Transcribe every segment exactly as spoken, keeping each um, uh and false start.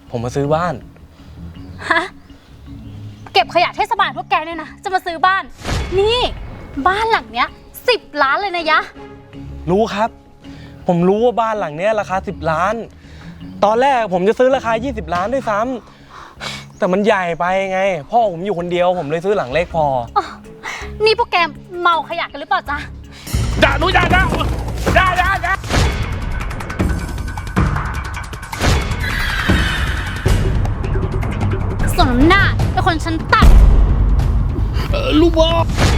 ผมมาซื้อบ้านฮะเก็บขยะเทศบาลพวกแกเนี่ยนะจะมาซื้อบ้านนี่บ้านหลังเนี้ยสิบล้านเลยนะยะรู้ครับผมรู้ว่าบ้านหลังเนี้ยราคาสิบล้านตอนแรกผมจะซื้อราคายี่สิบล้านด้วยซ้ำแต่มันใหญ่ไปไงพ่อผมอยู่คนเดียวผมเลยซื้อหลังเล็กพอนี่พวกแกเมาขยะกันหรือเปล่าจ๊ะด่าหนูด่าด่าด่าด่าด่าสมหน้าเป็นคนชั้นต่ำเออลูกบอ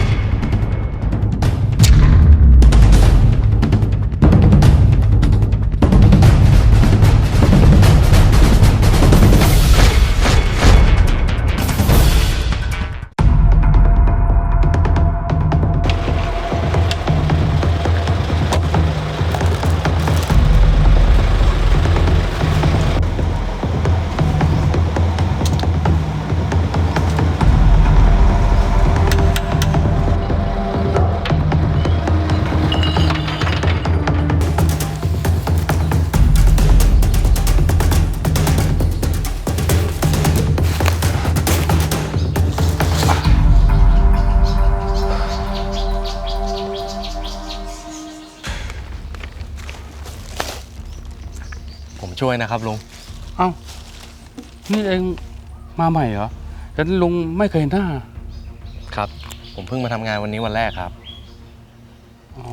ผมช่วยนะครับลุงเอ้านี่เองมาใหม่เหรอแต่ลุงไม่เคยเห็นหน้าครับผมเพิ่งมาทำงานวันนี้วันแรกครับอ๋อ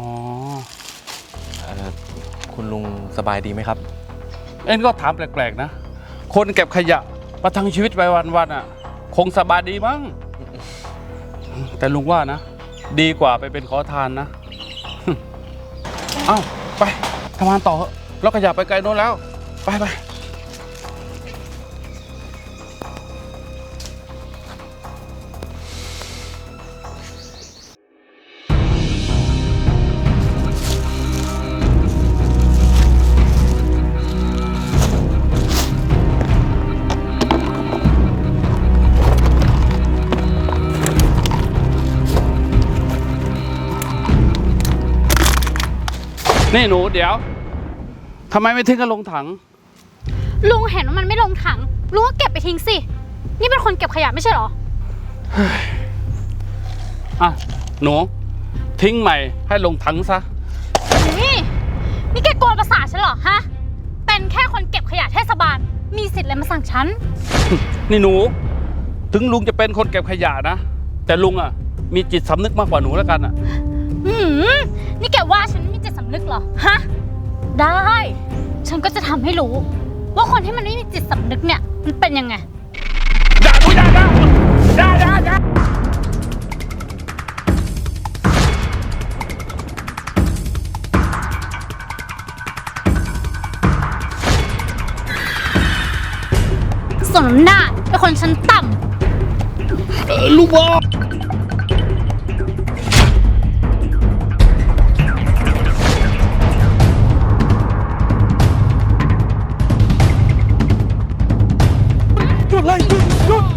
คุณลุงสบายดีไหมครับเอ็งก็ถามแปลกๆนะคนเก็บขยะประทังชีวิตไปวันๆอ่ะคงสบายดีมั้งแต่ลุงว่านะดีกว่าไปเป็นขอทานนะเอ้าไปทำงานต่อแล้วขยะไปไกลโน้นแล้วไปไปนี่หนูเดี๋ยวทำไมไม่ทิ้งกันลงถังลุงเห็นว่ามันไม่ลงถังลุงก็เก็บไปทิ้งสินี่เป็นคนเก็บขยะไม่ใช่หรออ่ะหนูทิ้งใหม่ให้ลงถังซะนี่นี่แกโกนประสาทฉันเหรอฮะเป็นแค่คนเก็บขยะเทศบาลมีสิทธิ์อะไรมาสั่งฉันนี่หนูถึงลุงจะเป็นคนเก็บขยะนะแต่ลุงอ่ะมีจิตสำนึกมากกว่าหนูแล้วกันอ่ะอืมนี่แกว่าฉันมีจิตสำนึกเหรอฮะได้ฉันก็จะทำให้รู้ว่าคนที่มันไม่มีจิตสำนึกเนี่ยมันเป็นยังไงด่าดูด่าด่าด่าด่าด่าสมหน้าเป็นคนชั้นต่ำเออลูกบออะไรหยุดหยุด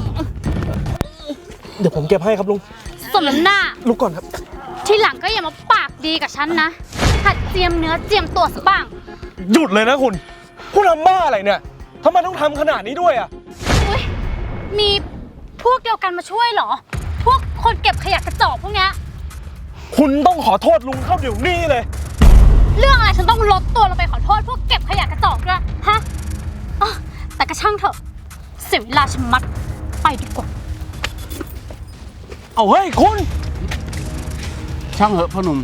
เดี๋ยวผมเก็บให้ครับลุงสมหน้าลุกก่อนครับทีหลังก็อย่ามาปากดีกับฉันนะหัดเจียมเนื้อเจียมตัวซะบ้างหยุดเลยนะคุณคุณทำบ้าอะไรเนี่ยทำไมต้องทำขนาดนี้ด้วยอ่ะอุ้ยมีพวกเดียวกันมาช่วยเหรอพวกคนเก็บขยะกระจอกพวกนี้คุณต้องขอโทษลุงเข้าเดี๋ยวนี้เลยเรื่องอะไรฉันต้องลดตัวลงไปขอโทษพวกเก็บขยะกระจอกด้วยฮะอ๋อแต่ก็ช่างเถอะเสียเวลาชะมัดไปดีกว่าเอาเฮ้ยคุณช่างเหอะพ่อหนุ่ม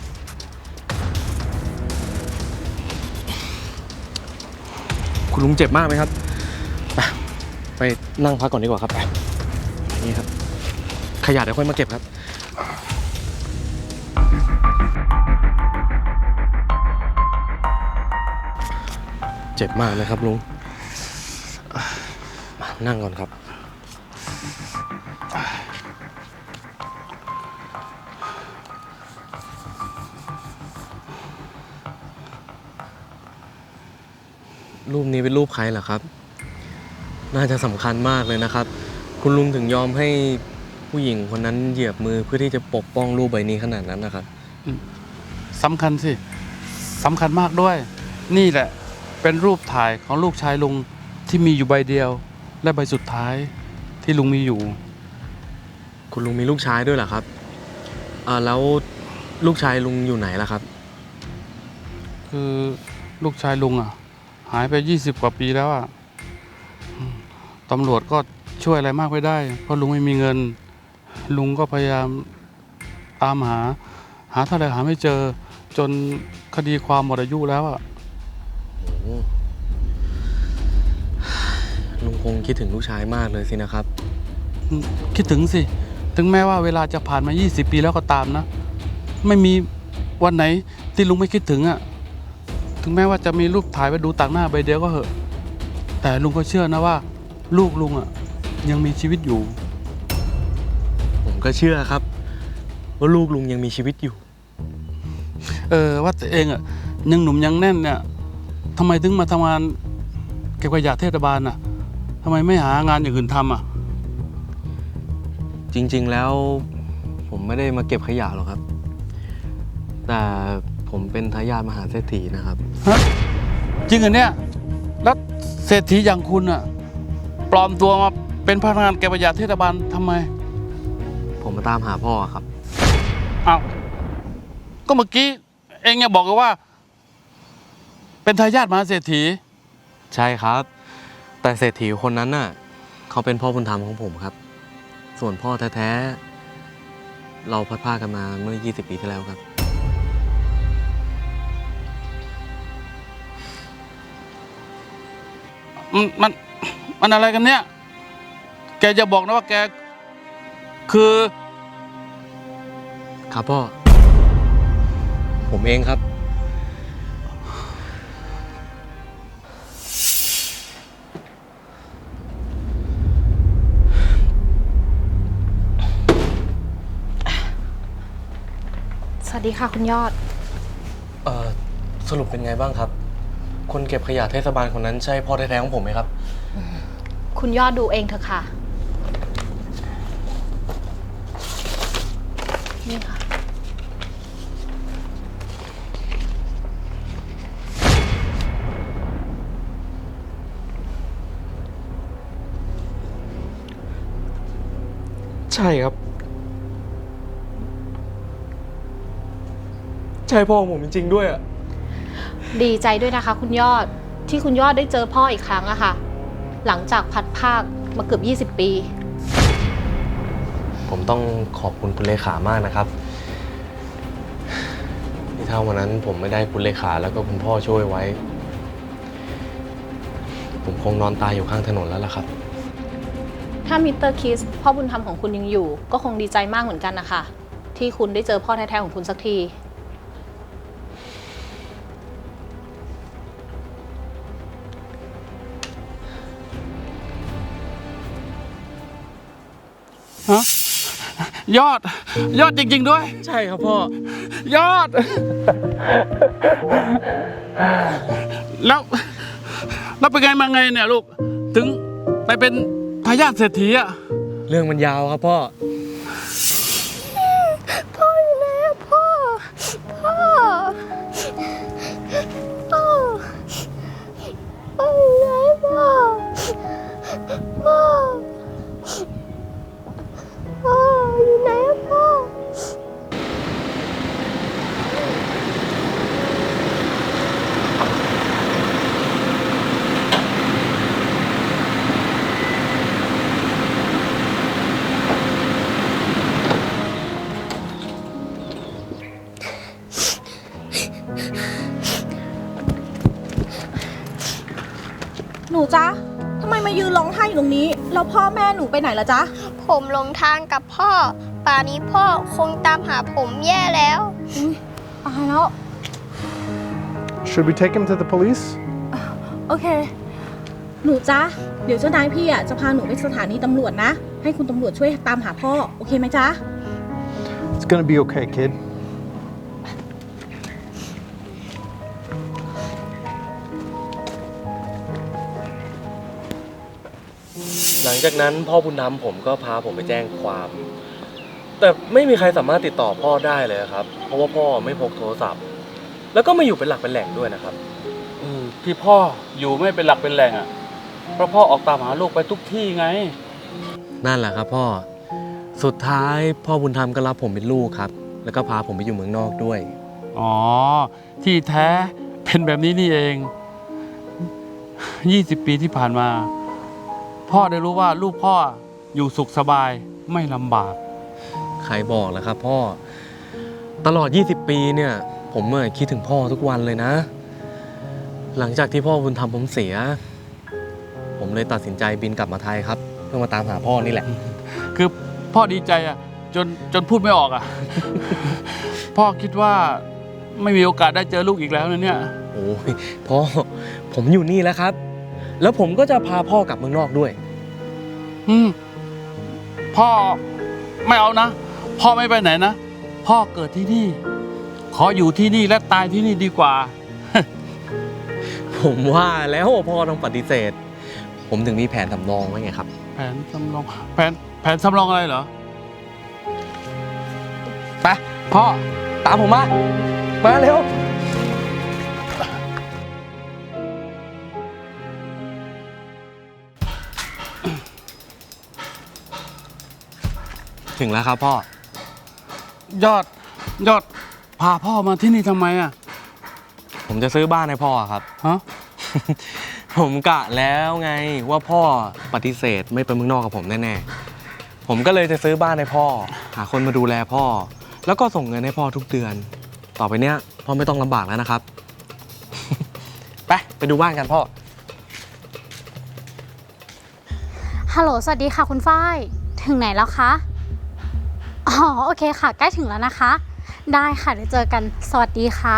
คุณลุงเจ็บมากไหมครับไปไปนั่งพักก่อนดีกว่าครับไปนี่ครับขยะเดี๋ยวค่อยมาเก็บครับเจ็บมากเลยครับลุงมานั่งก่อนครับรูปนี้เป็นรูปใครเหรอครับน่าจะสำคัญมากเลยนะครับคุณลุงถึงยอมให้ผู้หญิงคนนั้นเหยียบมือเพื่อที่จะปกป้องรูปใบนี้ขนาดนั้นนะครับสำคัญสิสำคัญมากด้วยนี่แหละเป็นรูปถ่ายของลูกชายลุงทที่มีอยู่ใบเดียว และใบสุดท้ายที่ลุงมีอยู่คุณลุงมีลูกชายด้วยเหรอครับอ่าแล้วลูกชายลุงอยู่ไหนล่ะครับคือลูกชายลุงอ่ะ หายไปยี่สิบกว่าปีแล้วอ่ะอืมตำรวจก็ช่วยอะไรมากไม่ได้ เพราะลุงไม่มีเงิน ลุงก็พยายามตามหา หาเท่าไหร่หาไม่เจอ จนคดีความหมดอายุแล้วอ่ะลุงคงคิดถึงลูกชายมากเลยสินะครับอืมคิดถึงสิ ถึงแม้ว่าเวลาจะผ่านมายี่สิบปีแล้วก็ตามนะ ไม่มีวันไหนที่ลุงไม่คิดถึงอ่ะ ถึงแม้ว่าจะมีรูปถ่ายไว้ดูต่างหน้าใบเดียวก็เหอะ แต่ลุงก็เชื่อนะว่า ลูกลุงอ่ะยังมีชีวิตอยู่ผมก็เชื่อครับ ว่าลูกลุงยังมีชีวิตอยู่เออว่าแต่เองอ่ะยังหนุ่มยังแน่นเนี่ยทำไมถึงมาทำงานเก็บขยะเทศบาลอ่ะทำไมไม่หางานอย่างอื่นทำอ่ะจริง ๆ แล้วผมไม่ได้มาเก็บขยะหรอกครับ แต่ผมเป็นทายาทมหาเศรษฐีนะครับฮะจริงเหรอเนี่ยแล้วเศรษฐีอย่างคุณอ่ะปลอมตัวมาเป็นพนักงานเก็บขยะเทศบาลทำไมผมมาตามหาพ่อครับอ้าวก็เมื่อกี้เองเนี่ยบอกกันว่า เป็นทายาทมหาเศรษฐีใช่ครับ แต่เศรษฐีคนนั้นน่ะเขาเป็นพ่อบุญธรรมของผมครับ ส่วนพ่อแท้ๆเราพัดพรากกันมาเมื่อยี่สิบปีที่แล้วครับมันมันมันอะไรกันเนี่ย แกจะบอกนะว่าแกคือครับพ่อ ผมเองครับสวัสดีค่ะคุณยอดเอ่อสรุปเป็นไงบ้างครับ คนเก็บขยะเทศบาลคนนั้นใช่พ่อแท้ๆของผมไหมครับคุณยอดดูเองเถอะค่ะ นี่ค่ะใช่ครับ ใช่พ่อของผมจริงๆด้วยอ่ะดีใจด้วยนะคะ คุณยอดที่คุณยอดได้เจอพ่ออีกครั้งอะค่ะ หลังจากพัดภาคมาเกือบยี่สิบปีผมต้องขอบคุณคุณเลขามากนะครับที่ถ้าวันนั้นผมไม่ได้คุณเลขาแล้วก็คุณพ่อช่วยไว้ ผมคงนอนตายอยู่ข้างถนนแล้วล่ะครับถ้ามิสเตอร์คิสพ่อบุญธรรมของคุณยังอยู่ ก็คงดีใจมากเหมือนกันนะคะที่คุณได้เจอพ่อแท้ๆของคุณสักทีฮะยอด ยอดจริง ๆ ด้วยใช่ครับพ่อยอด แล้วแล้วเป็นไงมาไงเนี่ยลูก ถึงไปเป็นทายาทเศรษฐีอ่ะเรื่องมันยาวครับพ่อพ่ออยู่ไหนอะพ่อ พ่อ พ่อ พ่ออยู่ไหนพ่อ พ่อ พ่ออยู่ไหนอะพ่อหนูจ๊ะ ทำไมมายืนร้องไห้อยู่ตรงนี้ แล้วพ่อแม่หนูไปไหนละจ๊ะผมหลงทางกับพ่อ ป่านนี้พ่อคงตามหาผมแย่แล้วตายแล้ว Should we take him to the police? โอเค หนูจ๊ะ เดี๋ยวเจ้านายพี่อ่ะจะพาหนูไปสถานีตำรวจนะ ให้คุณตำรวจช่วยตามหาพ่อ โอเคไหมจ๊ะ It's gonna be okay, kid. หลังจากนั้นพ่อบุญธรรมผมก็พาผมไปแจ้งความ แต่ไม่มีใครสามารถติดต่อพ่อได้เลยครับ เพราะว่าพ่อไม่พกโทรศัพท์ แล้วก็ไม่อยู่เป็นหลักเป็นแหล่งด้วยนะครับอืมที่พ่ออยู่ไม่เป็นหลักเป็นแหล่งอ่ะ เพเพราะพ่อออกตามหาลูกไปทุกที่ไงนั่นแหละครับพ่อ สุดท้ายพ่อบุญธรรมก็รับผมเป็นลูกครับ แล้วก็พาผมไปอยู่เมืองนอกด้วยอ๋อ ที่แท้เป็นแบบนี้นี่เอง ยี่สิบ ปีที่ผ่านมา พ่อได้รู้ว่าลูกพ่ออยู่สุขสบายไม่ลำบากใครบอกล่ะครับพ่อ ตลอด ยี่สิบ ปีเนี่ย ผมเมื่อคิดถึงพ่อทุกวันเลยนะ หลังจากที่พ่อบุญธรรมผมเสีย ผมเลยตัดสินใจบินกลับมาไทยครับ เพื่อมาตามหาพ่อนี่แหละคือพ่อดีใจอ่ะจนจนพูดไม่ออกอ่ะ พ่อคิดว่าไม่มีโอกาสได้เจอลูกอีกแล้วนะเนี่ยโอ้ยพ่อผมอยู่นี่แล้วครับ แล้วผมก็จะพาพ่อกลับเมืองนอกด้วยอืมพ่อไม่เอานะ พ่อไม่ไปไหนนะ พ่อเกิดที่นี่ ขออยู่ที่นี่และตายที่นี่ดีกว่าผมว่าแล้วพ่อต้องปฏิเสธ ผมถึงมีแผนสำรองไว้ไงครับแผนสำรองแผนแผนสำรองอะไรเหรอไปพ่อตามผมมา มาเร็ว ถึงแล้วครับพ่อยอดยอดพาพ่อมาที่นี่ทำไมอ่ะผมจะซื้อบ้านให้พ่อครับฮะผมกะแล้วไงว่าพ่อปฏิเสธไม่ไปเมืองนอกกับผมแน่ๆ ผมก็เลยจะซื้อบ้านให้พ่อ หาคนมาดูแลพ่อ แล้วก็ส่งเงินให้พ่อทุกเดือน ต่อไปเนี้ยพ่อไม่ต้องลำบากแล้วนะครับ ไปไปดูบ้านกันพ่อฮัลโหล สวัสดีค่ะคุณฝ้าย ถึงไหนแล้วคะ อ๋อ โอเคค่ะ ใกล้ถึงแล้วนะคะ ได้ค่ะ เดี๋ยวเจอกัน สวัสดีค่ะ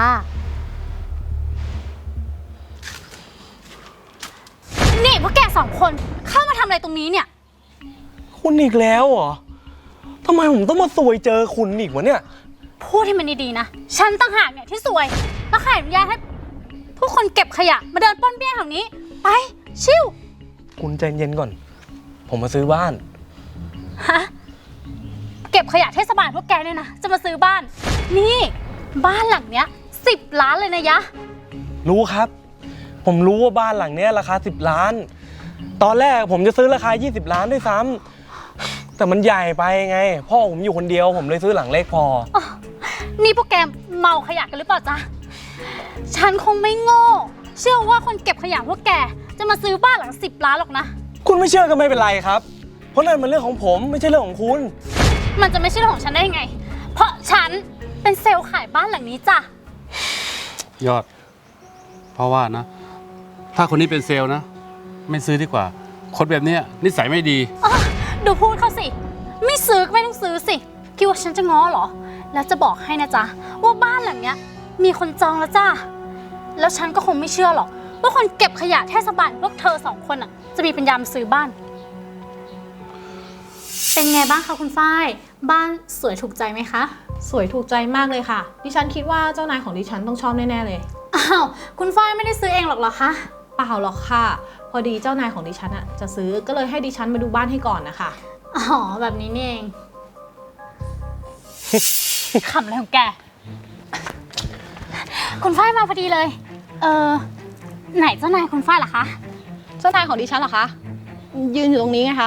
นี่พวกแกสองคนเข้ามาทำอะไรตรงนี้เนี่ยคุณอีกแล้วเหรอทำไมผมต้องมาซวยเจอคุณอีกวะเนี่ยพูดให้มันดีๆนะ ฉันต่างหากเนี่ยที่สวย แล้วใครอนุญาตให้ผู้คนเก็บขยะมาเดินป้อนเปี้ยนแถวนี้ ไป ชิวคุณใจเย็นก่อน ผมมาซื้อบ้านฮะ เก็บขยะเทศบาลพวกแกเนี่ยนะ จะมาซื้อบ้าน นี่ บ้านหลังเนี้ยสิบล้านเลยนะยะรู้ครับ ผมรู้ว่าบ้านหลังเนี้ยราคาสิบล้าน ตอนแรกผมจะซื้อราคายี่สิบล้านด้วยซ้ำแต่มันใหญ่ไปไง พ่อผมอยู่คนเดียวผมเลยซื้อหลังเล็กพอนี่พวกแกเมาขยะกันหรือเปล่าจ๊ะ ฉันคงไม่โง่ เชื่อว่าคนเก็บขยะพวกแกจะมาซื้อบ้านหลังสิบล้านหรอกนะคุณไม่เชื่อก็ไม่เป็นไรครับ เพราะนั่นมันเรื่องของผมไม่ใช่เรื่องของคุณมันจะไม่ใช่เรื่องของฉันได้ยังไง เพราะฉันเป็นเซลล์ขายบ้านหลังนี้จ้ะยอด เพราะว่านะ ถ้าคนนี้เป็นเซลล์นะ ไม่ซื้อดีกว่า คนแบบเนี้ยนิสัยไม่ดีดูพูดเขาสิ ไม่ซื้อก็ไม่ต้องซื้อสิ คิดว่าฉันจะง้อเหรอ แล้วจะบอกให้นะจ๊ะว่าบ้านหลังเนี้ยมีคนจองแล้วจ้า แล้วฉันก็คงไม่เชื่อหรอกว่าคนเก็บขยะเทศบาลพวกเธอสองคนอ่ะจะมีปัญญามาซื้อบ้าน เป็นไงบ้างคะคุณฝ้าย บ้านสวยถูกใจไหมคะสวยถูกใจมากเลยค่ะ ดิฉันคิดว่าเจ้านายของดิฉันต้องชอบแน่ๆเลยอ้าวคุณฝ้ายไม่ได้ซื้อเองหรอกเหรอคะเปล่าหรอกค่ะ พอดีเจ้านายของดิฉันอะจะซื้อก็เลยให้ดิฉันมาดูบ้านให้ก่อนนะคะอ๋อแบบนี้นี่เอง ขำอะไรของแก คุณฝ้ายมาพอดีเลย เออไหนเจ้านายคุณฝ้ายล่ะคะเจ้านายของดิฉันเหรอคะ ยืนอยู่ตรงนี้ไงคะ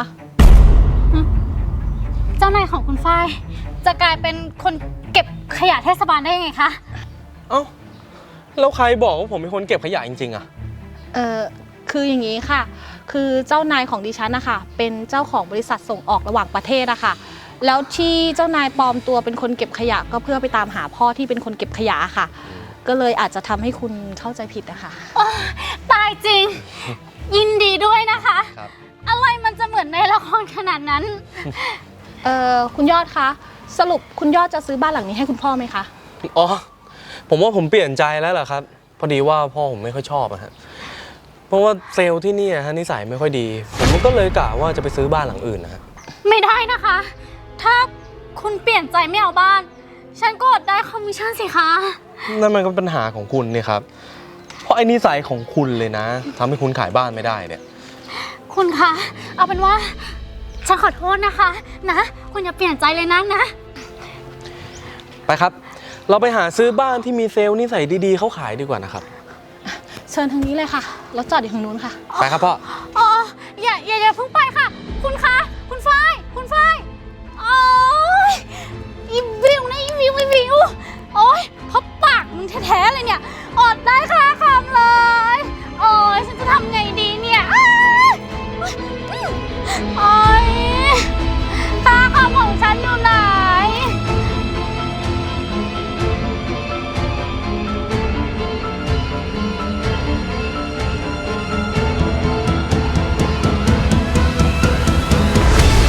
เจ้านายของคุณฝ้ายจะกลายเป็นคนเก็บขยะเทศบาลได้ยังไงคะเอ้าแล้วใครบอกว่าผมเป็นคนเก็บขยะจริงๆอะเออคืออย่างนี้ค่ะ คือเจ้านายของดิฉันนะคะเป็นเจ้าของบริษัทส่งออกระหว่างประเทศอะค่ะ แล้วที่เจ้านายปลอมตัวเป็นคนเก็บขยะก็เพื่อไปตามหาพ่อที่เป็นคนเก็บขยะค่ะ ก็เลยอาจจะทำให้คุณเข้าใจผิดนะคะตายจริง ยินดีด้วยนะคะครับอะไรมันจะเหมือนในละครขนาดนั้นเออคุณยอดคะสรุปคุณยอดจะซื้อบ้านหลังนี้ให้คุณพ่อไหมคะอ๋อ ผมว่าผมเปลี่ยนใจแล้วล่ะครับ พอดีว่าพ่อผมไม่ค่อยชอบอะฮะ เพราะว่าเซลล์ที่นี่อะฮะนิสัยไม่ค่อยดี ผมก็เลยกะว่าจะไปซื้อบ้านหลังอื่นนะฮะไม่ได้นะคะ ถ้าคุณเปลี่ยนใจไม่เอาบ้าน ฉันก็อดได้คอมมิชชั่นสิคะนั่นมันก็เป็นปัญหาของคุณนี่ครับ เพราะไอ้นิสัยของคุณเลยนะทำให้คุณขายบ้านไม่ได้เนี่ยคุณคะ เอาเป็นว่า ฉันขอโทษนะคะ นะ คุณอย่าเปลี่ยนใจเลยนะนะไปครับ เราไปหาซื้อบ้านที่มีเซลล์นิสัยดีๆเขาขายดีกว่านะครับเชิญทางนี้เลยค่ะรถจอดอยู่ทางนู้นค่ะไปครับพ่อโอ๊อย่าอย่าเพิ่งไปค่ะ คุณคะ คุณฝ้าย คุณฝ้ายโอ๊ยอีวิวนะอีวิวอีวิวโอ๊ยเพราะปากมึงแท้ๆเลยเนี่ยอดได้ค่าคำเลย โอ๊ยฉันจะทำไงดีเนี่ยอ้ายโอ๊ยค่าคำของฉันอยู่ไหน